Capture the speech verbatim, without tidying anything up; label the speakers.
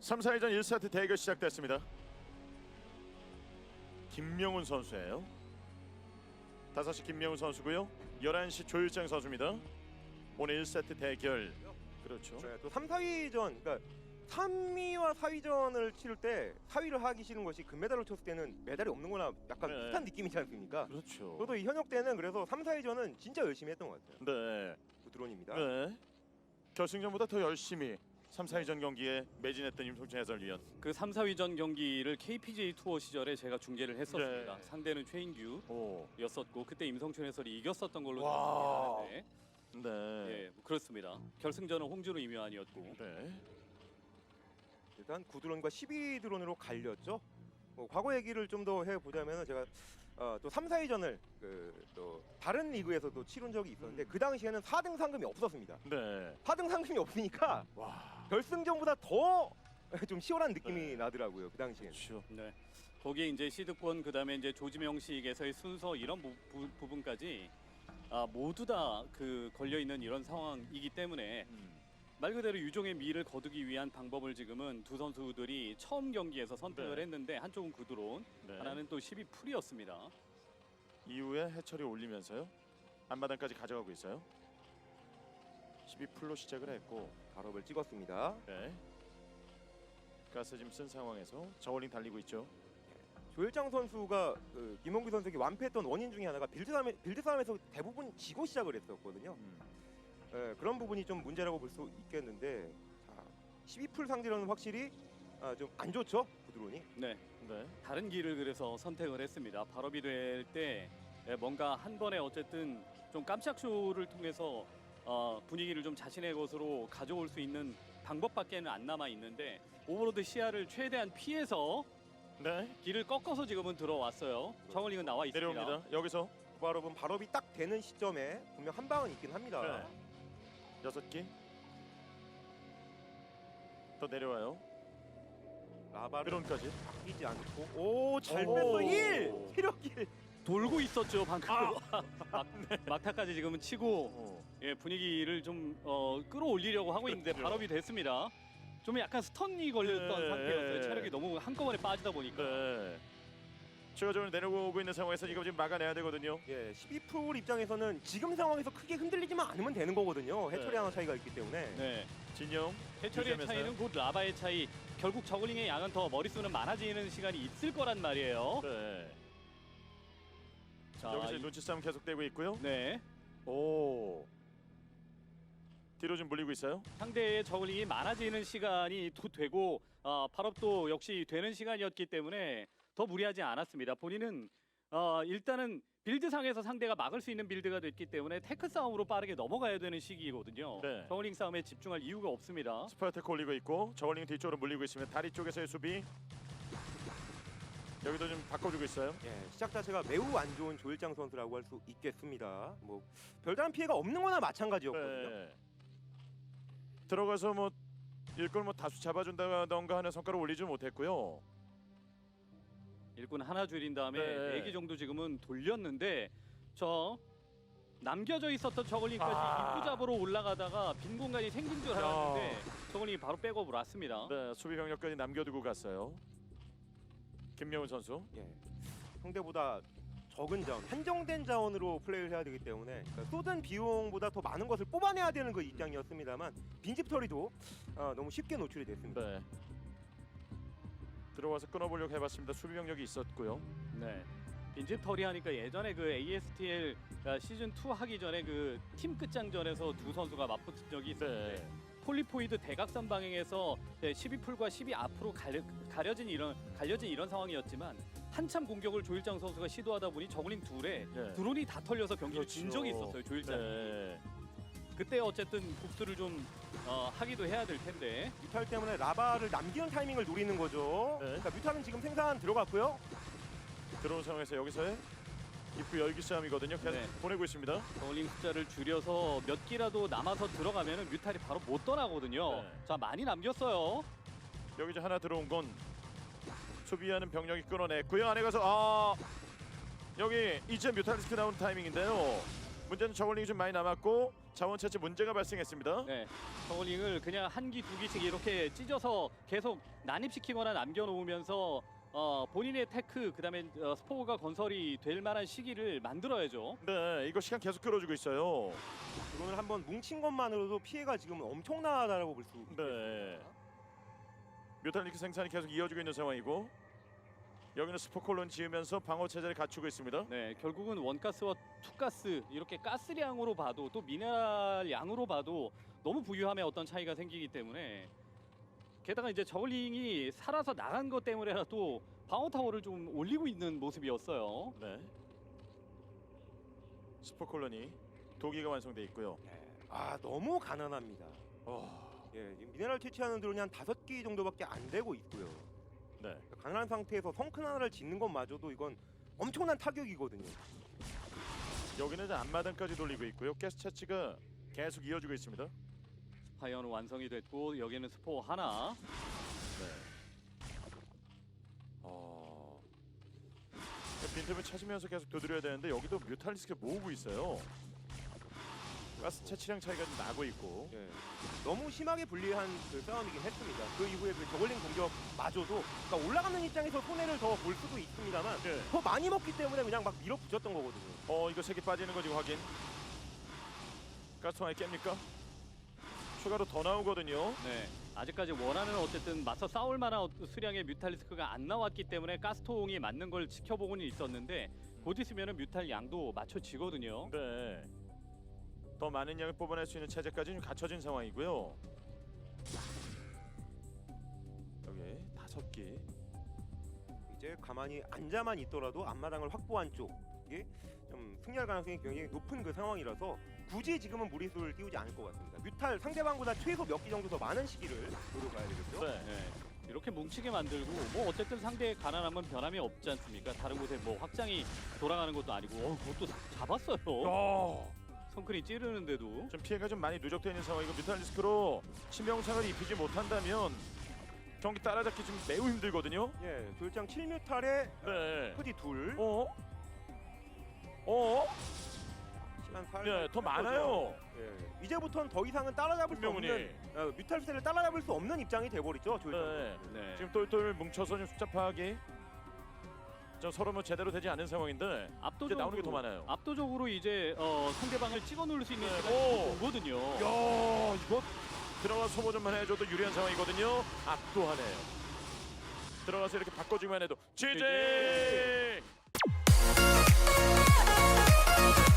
Speaker 1: 삼, 사위전 일 세트 대결 시작됐습니다. 김명훈 선수예요. 다섯 시 김명훈 선수고요. 열한 시 조일장 선수입니다. 오늘 일 세트 대결. 그렇죠.
Speaker 2: 네, 또 삼, 사위전, 그러니까 삼 위와 사위전을 치를 때 사 위를 하기 싫은 것이 금메달을 쳤을 때는 메달이 없는 거나 약간
Speaker 1: 네.
Speaker 2: 비슷한 느낌이지 않습니까?
Speaker 1: 그렇죠.
Speaker 2: 저도 이 현역 때는 그래서 삼, 사위전은 진짜 열심히 했던 것 같아요.
Speaker 1: 네.
Speaker 2: 부드론입니다.
Speaker 1: 네. 결승전보다 더 열심히 삼, 사위전 경기에 매진했던 임성춘 해설위원.
Speaker 3: 그 삼, 사위전 경기를 케이피지에이 투어 시절에 제가 중계를 했었습니다.
Speaker 1: 네.
Speaker 3: 상대는 최인규였었고
Speaker 1: 오.
Speaker 3: 그때 임성춘 해설이 이겼었던 걸로
Speaker 1: 와.
Speaker 3: 기억하는데
Speaker 1: 네.
Speaker 3: 예, 뭐 그렇습니다. 결승전은 홍준호 이묘한이었고
Speaker 1: 네.
Speaker 2: 일단 구 드론과 십이 드론으로 갈렸죠. 뭐 과거 얘기를 좀 더 해보자면 제가 어, 또 삼, 사위전을 그, 또 다른 리그에서도 치른 적이 있었는데
Speaker 1: 음.
Speaker 2: 그 당시에는 사 등 상금이 없었습니다.
Speaker 1: 네.
Speaker 2: 사 등 상금이 없으니까
Speaker 1: 와.
Speaker 2: 결승전보다 더 좀 시원한 느낌이
Speaker 1: 네.
Speaker 2: 나더라고요. 그 당시에는.
Speaker 1: 그렇죠.
Speaker 3: 네. 거기에 이제 시드권 그다음에 이제 조지명식에서의 순서 이런 부, 부, 부분까지 아, 모두 다 그 걸려 있는 이런 상황이기 때문에
Speaker 1: 음.
Speaker 3: 말 그대로 유종의 미를 거두기 위한 방법을 지금은 두 선수들이 처음 경기에서 선택을
Speaker 1: 네.
Speaker 3: 했는데 한쪽은 구드론,
Speaker 1: 네.
Speaker 3: 하나는 또 십이 풀이었습니다.
Speaker 1: 이후에 해철이 올리면서요. 앞마당까지 가져가고 있어요. 십이 풀로 시작을 했고.
Speaker 2: 발업을 찍었습니다.
Speaker 1: 네. 가스 지금 쓴 상황에서 저울링 달리고 있죠.
Speaker 2: 조일장 선수가 그 김홍규 선수에게 완패했던 원인 중에 하나가 빌드 싸움, 빌드 싸움에서 대부분 지고 시작을 했었거든요.
Speaker 1: 음.
Speaker 2: 예, 그런 부분이 좀 문제라고 볼 수 있겠는데 자, 십이 풀 상대로는 확실히 아, 좀 안 좋죠, 구드론이.
Speaker 3: 네.
Speaker 1: 네.
Speaker 3: 다른 길을 그래서 선택을 했습니다. 발업이 될 때 뭔가 한 번에 어쨌든 좀 깜짝 쇼를 통해서 어, 분위기를 좀 자신의 것으로 가져올 수 있는 방법밖에는 안 남아 있는데 오버로드 시야를 최대한 피해서
Speaker 1: 네.
Speaker 3: 길을 꺾어서 지금은 들어왔어요. 정원링은 나와 있습니다.
Speaker 1: 내려옵니다. 여기서
Speaker 2: 발업은 발업이 딱 되는 시점에 분명 한 방은 있긴 합니다.
Speaker 1: 네. 여섯 개. 더 내려와요.
Speaker 2: 라바를
Speaker 1: 드론까지.
Speaker 2: 바뀌지 않고 오잘
Speaker 1: 오.
Speaker 2: 뺐어 일 체력 일.
Speaker 3: 돌고 있었죠 방금.
Speaker 1: 아.
Speaker 3: 막, 막타까지 지금은 치고
Speaker 1: 어.
Speaker 3: 예, 분위기를 좀 어, 끌어올리려고 하고 있는데
Speaker 1: 그렇죠.
Speaker 3: 발업이 됐습니다. 좀 약간 스턴이 걸렸던
Speaker 1: 네.
Speaker 3: 상태였어요. 체력이 너무 한꺼번에 빠지다 보니까.
Speaker 1: 네. 추가적으로 내려오고 있는 상황에서 이거 지금 막아내야 되거든요.
Speaker 2: 예, 십이 풀 입장에서는 지금 상황에서 크게 흔들리지만 않으면 되는 거거든요. 해처리
Speaker 1: 네.
Speaker 2: 하나 차이가 있기 때문에.
Speaker 3: 네.
Speaker 1: 진영.
Speaker 3: 해처리의
Speaker 1: 유지하면서요.
Speaker 3: 차이는 곧 라바의 차이. 결국 저글링의 양은 더 머릿수는 많아지는 시간이 있을 거란 말이에요.
Speaker 1: 네.
Speaker 3: 자,
Speaker 1: 여기서
Speaker 3: 이-
Speaker 1: 눈치 싸움 계속되고 있고요.
Speaker 3: 네.
Speaker 1: 오. 뒤로 좀 물리고 있어요.
Speaker 3: 상대의 저글링이 많아지는 시간이 도 되고 어, 발업도 역시 되는 시간이었기 때문에 더 무리하지 않았습니다. 본인은 어, 일단은 빌드상에서 상대가 막을 수 있는 빌드가 됐기 때문에 테크 싸움으로 빠르게 넘어가야 되는 시기거든요.
Speaker 1: 네.
Speaker 3: 저글링 싸움에 집중할 이유가 없습니다.
Speaker 1: 스파이어테크 올리고 있고 저울링 뒤쪽으로 물리고 있으면 다리 쪽에서의 수비. 여기도 좀 바꿔주고 있어요.
Speaker 2: 예, 시작 자체가 매우 안 좋은 조일장 선수라고 할 수 있겠습니다. 뭐 별다른 피해가 없는 거나 마찬가지였거든요.
Speaker 1: 네. 들어가서 뭐 일꾼 뭐 다수 잡아준다던가 하는 성과를 올리지 못했고요.
Speaker 3: 일꾼 하나 줄인 다음에
Speaker 1: 네.
Speaker 3: 네 개 정도 지금은 돌렸는데 저 남겨져 있었던 저글링까지
Speaker 1: 아.
Speaker 3: 입구 잡으러 올라가다가 빈 공간이 생긴 줄 알았는데 저글링이 바로 백업을 왔습니다.
Speaker 1: 네, 수비 병력까지 남겨두고 갔어요. 김명훈 선수.
Speaker 2: 예, 상대보다 적은 자원, 한정된 자원으로 플레이를 해야 되기 때문에 그러니까 쏟은 비용보다 더 많은 것을 뽑아내야 되는 그 입장이었습니다만 빈집 처리도 어, 너무 쉽게 노출이 됐습니다.
Speaker 1: 네. 들어와서 끊어보려고 해봤습니다. 수비 병력이 있었고요.
Speaker 3: 네. 빈집 털이 하니까 예전에 그 에이에스티엘 시즌 투 하기 전에 그 팀 끝장전에서 두 선수가 맞붙은 적이 있었는데
Speaker 1: 네.
Speaker 3: 폴리포이드 대각선 방향에서 십이 풀과 십이 앞으로 가려, 가려진 이런 갈려진 이런 상황이었지만 한참 공격을 조일장 선수가 시도하다 보니 저글링 둘에
Speaker 1: 네.
Speaker 3: 드론이 다 털려서 경기를
Speaker 1: 그렇죠.
Speaker 3: 진 적이 있었어요. 조일장.
Speaker 1: 네.
Speaker 3: 그때 어쨌든 복수를 좀 어, 하기도 해야 될 텐데.
Speaker 2: 뮤탈 때문에 라바를 남기는 타이밍을 노리는 거죠.
Speaker 1: 네.
Speaker 2: 그러니까 뮤탈은 지금 생산 들어갔고요.
Speaker 1: 들어온 상황에서 여기서의 입구 열기 싸움이거든요. 계속
Speaker 3: 네.
Speaker 1: 보내고 있습니다.
Speaker 3: 저글링 숫자를 줄여서 몇 기라도 남아서 들어가면은 뮤탈이 바로 못 떠나거든요.
Speaker 1: 네.
Speaker 3: 자, 많이 남겼어요.
Speaker 1: 여기 이제 하나 들어온 건 수비하는 병력이 끊어냈고요. 안에 가서 아 여기 이제 뮤탈리스크 나오는 타이밍인데요. 문제는 저글링이 좀 많이 남았고 자원 채취 문제가 발생했습니다.
Speaker 3: 네, 저글링을 그냥 한 기, 두 기씩 이렇게 찢어서 계속 난입시키거나 남겨놓으면서 어, 본인의 테크, 그다음에 어, 스포가 건설이 될 만한 시기를 만들어야죠.
Speaker 1: 네, 이거 시간 계속 끌어주고 있어요.
Speaker 2: 이거는 한번 뭉친 것만으로도 피해가 지금 엄청나다라고 볼 수 있습니다.
Speaker 1: 네. 뮤탈리크 생산이 계속 이어지고 있는 상황이고 여기는 스포콜론 지으면서 방어 체제를 갖추고 있습니다.
Speaker 3: 네, 결국은 원가스와 투가스 이렇게 가스량으로 봐도 또 미네랄 양으로 봐도 너무 부유함에 어떤 차이가 생기기 때문에 게다가 이제 저글링이 살아서 나간 것 때문에라도 방어 타워를 좀 올리고 있는 모습이었어요.
Speaker 1: 네. 스포콜론이 도기가 완성돼 있고요.
Speaker 2: 아 너무 가난합니다.
Speaker 1: 어,
Speaker 2: 예, 지금 미네랄 채취하는 드론이 한 다섯 기 정도밖에 안 되고 있고요.
Speaker 1: 네.
Speaker 2: 가난한 상태에서 성큰 하나를 짓는 것마저도 이건 엄청난 타격이거든요.
Speaker 1: 여기는 이제 앞마당까지 돌리고 있고요. 가스 채취가 계속 이어지고 있습니다.
Speaker 3: 파이어는 완성이 됐고 여기는 스포 하나.
Speaker 1: 네. 어. 빈틈을 찾으면서 계속 두드려야 되는데 여기도 뮤탈리스크를 모으고 있어요. 가스 채취량 차이가 좀 나고 있고.
Speaker 2: 예, 너무 심하게 불리한 그 싸움이긴 했습니다. 그 이후에 그 저글링 공격마저도 그러니까 올라가는 입장에서 손해를 더 볼 수도 있습니다만
Speaker 1: 네.
Speaker 2: 더 많이 먹기 때문에 그냥 막 밀어붙였던 거거든요.
Speaker 1: 어, 이거 색이 빠지는 거 지금 확인. 가스통 아예 깹니까? 추가로 더 나오거든요.
Speaker 3: 네, 아직까지 원하는 어쨌든 맞서 싸울 만한 어- 수량의 뮤탈리스크가 안 나왔기 때문에 가스통이 맞는 걸 지켜보고는 있었는데 곧 있으면은 뮤탈 양도 맞춰지거든요.
Speaker 1: 네. 더 많은 양을 뽑아낼 수 있는 체제까지 좀 갖춰진 상황이고요. 여기 다섯 개.
Speaker 2: 이제 가만히 앉아만 있더라도 앞마당을 확보한 쪽이 좀 승리할 가능성이 굉장히 높은 그 상황이라서 굳이 지금은 무리수를 띄우지 않을 것 같습니다. 뮤탈 상대방보다 최소 몇 기 정도 더 많은 시기를 노려봐야 되겠죠.
Speaker 1: 네.
Speaker 3: 네, 이렇게 뭉치게 만들고 뭐 어쨌든 상대의 가난함은 변함이 없지 않습니까? 다른 곳에 뭐 확장이 돌아가는 것도 아니고 어, 그것도 잡았어요.
Speaker 1: 어.
Speaker 3: 성큰이 찌르는데도.
Speaker 1: 좀 피해가 좀 많이 누적되어 있는 상황이고 뮤탈리스크로 치명상을 입히지 못한다면 경기 따라잡기 좀 매우 힘들거든요.
Speaker 2: 예, 조일장 칠 뮤탈에
Speaker 1: 네.
Speaker 2: 후디 둘.
Speaker 1: 어? 어?
Speaker 2: 시간 살.
Speaker 1: 네, 더 많아요.
Speaker 2: 예, 이제부터는 더 이상은 따라잡을 수
Speaker 1: 분명히.
Speaker 2: 없는 어, 뮤탈 세를 따라잡을 수 없는 입장이 돼버리죠. 조일장.
Speaker 1: 네.
Speaker 3: 네.
Speaker 1: 지금 똘똘 뭉쳐서 좀 숫자 파악이 좀 서로 뭐 제대로 되지 않은 상황인데 이제
Speaker 3: 압도적으로
Speaker 1: 나오는 게 더 많아요.
Speaker 3: 압도적으로 이제 어, 상대방을 찍어 누를 수 있는
Speaker 1: 네,
Speaker 3: 시간이
Speaker 1: 오.
Speaker 3: 오거든요.
Speaker 1: 야, 이거 들어가 소모전만 해줘도 유리한 상황이거든요. 압도하네요. 들어가서 이렇게 바꿔주기만 해도 지지.